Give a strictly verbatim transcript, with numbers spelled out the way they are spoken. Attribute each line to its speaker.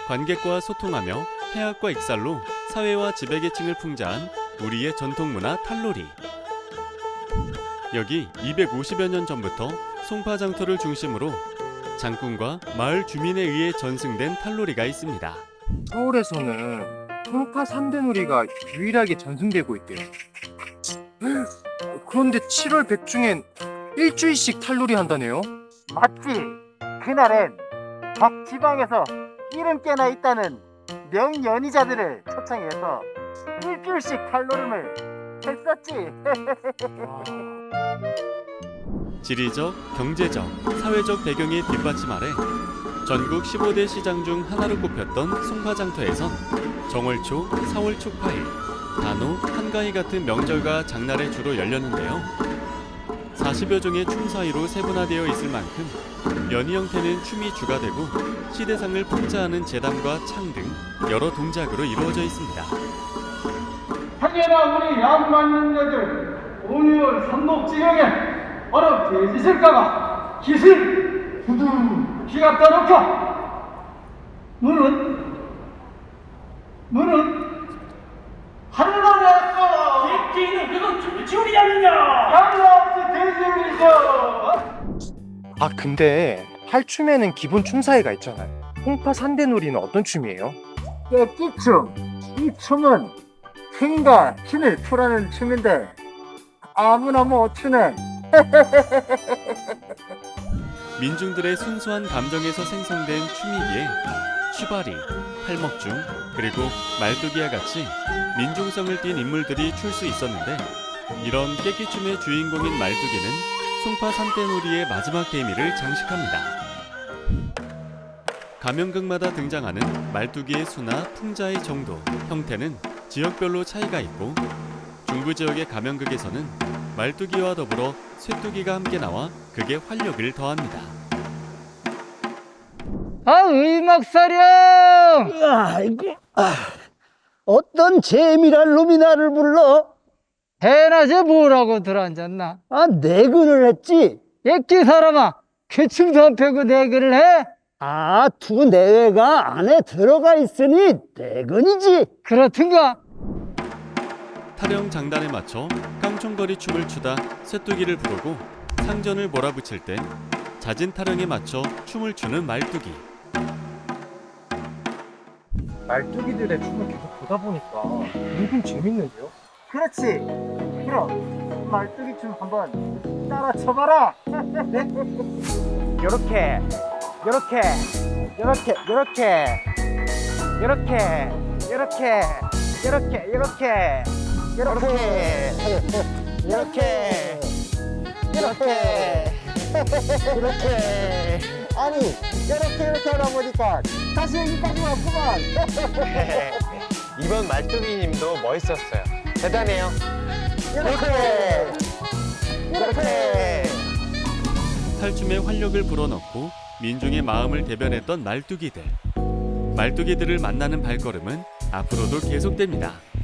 Speaker 1: 관객과 소통하며 해학과 익살로 사회와 지배계층을 풍자한 우리의 전통문화 탈놀이. 여기 이백오십여 년 전부터 송파장터를 중심으로 장군과 마을 주민에 의해 전승된 탈놀이가 있습니다.
Speaker 2: 서울에서는 송파 삼 대 놀이가 유일하게 전승되고 있대요. 그런데 칠월 백중엔 일주일씩 탈놀이 한다네요.
Speaker 3: 맞지? 그날엔 각 지방에서 이름께나 있다는 명연희자들을 초청해서 일주일씩 탈노름을 했었지.
Speaker 1: 지리적, 경제적, 사회적 배경의 뒷받침 아래 전국 십오 대 시장 중 하나로 꼽혔던 송파장터에선 정월초, 사월 초파일, 단오, 한가위 같은 명절과 장날에 주로 열렸는데요. 사십여 종의 춤 사이로 세분화되어 있을 만큼 연희 형태는 춤이 주가 되고 시대상을 풍자하는 제담과 창 등 여러 동작으로 이루어져 있습니다.
Speaker 4: 하게나 우리 양 맞는 애들 오유월 삼목지경에 어렵 돼지실까봐 기술 두둥 기갑다 놓고 문은 문은 한번에
Speaker 5: 새끼는 그건 돼지우리 아니냐?
Speaker 4: 양없이 돼지우리죠.
Speaker 2: 아 근데 탈춤에는 기본 춤사위가 있잖아요. 송파 삼 대 놀이는 어떤 춤이에요?
Speaker 3: 깨끼춤. 이 춤은 힘과 힘을 풀어내는 춤인데 아무나 못 추네.
Speaker 1: 민중들의 순수한 감정에서 생성된 춤이기에 취바리, 팔먹중, 그리고 말뚝이와 같이 민중성을 띤 인물들이 출 수 있었는데 이런 깨끼춤의 주인공인 말뚝이는 송파 삼 대 놀이의 마지막 대미를 장식합니다. 가면극마다 등장하는 말뚝이의 수나 풍자의 정도, 형태는 지역별로 차이가 있고 중부 지역의 가면극에서는 말뚝이와 더불어 쇠뚝이가 함께 나와 극의 활력을 더합니다.
Speaker 6: 아, 의막사령!
Speaker 7: 아이고, 아, 어떤 재미랄 놈이 나를 불러?
Speaker 6: 대낮에 뭐라고 들어앉았나?
Speaker 7: 아, 내근을 했지.
Speaker 6: 액기 사람아, 괴충도 안 패고 내근을 해?
Speaker 7: 아, 두 내외가 안에 들어가 있으니 내근이지.
Speaker 6: 그렇든가?
Speaker 1: 타령 장단에 맞춰 깡총거리 춤을 추다 쇠뚜기를 부르고 상전을 몰아붙일 땐 잦은 타령에 맞춰 춤을 추는 말뚝이.
Speaker 2: 말뚝이들의 춤을 계속 보다 보니까 은근 재밌는데요?
Speaker 3: 그렇지. 그럼 말뚝이 춤 한번 따라 쳐봐라. 요렇게 요렇게 요렇게 요렇게 요렇게 요렇게 요렇게 요렇게 요렇게 이렇게 이렇게 이렇게 아니 이렇게 이렇게 하다 보니까 다시 여기까지 왔구만.
Speaker 8: 이번 말뚝이님도 멋있었어요. 대단해요.
Speaker 3: 이렇게 이렇게
Speaker 1: 탈춤에 활력을 불어넣고 민중의 마음을 대변했던 말뚝이들. 말뚝이들을 만나는 발걸음은 앞으로도 계속됩니다.